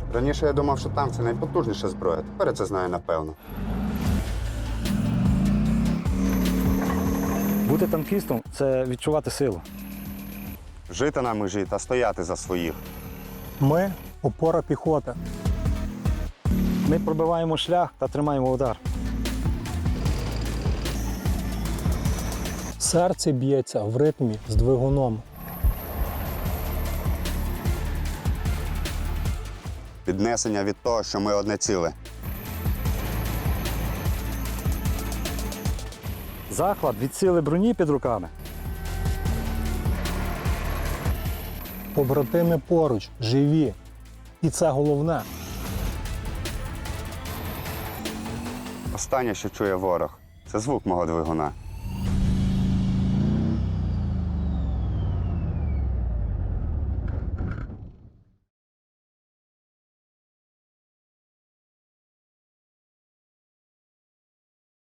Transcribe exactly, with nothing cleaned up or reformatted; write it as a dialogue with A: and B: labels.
A: Раніше я думав, що танк – це найпотужніша зброя. Тепер я це знаю напевно.
B: Бути танкістом – це відчувати силу.
A: Жити на межі та стояти за своїх.
C: Ми – опора піхоти.
B: Ми пробиваємо шлях та тримаємо удар.
C: Серце б'ється в ритмі з двигуном.
A: Піднесення від того, що ми одне ціле.
B: Захват від сили броні під руками.
C: Побратими поруч, живі. І це головне.
A: Останнє, що чує ворог – це звук мого двигуна.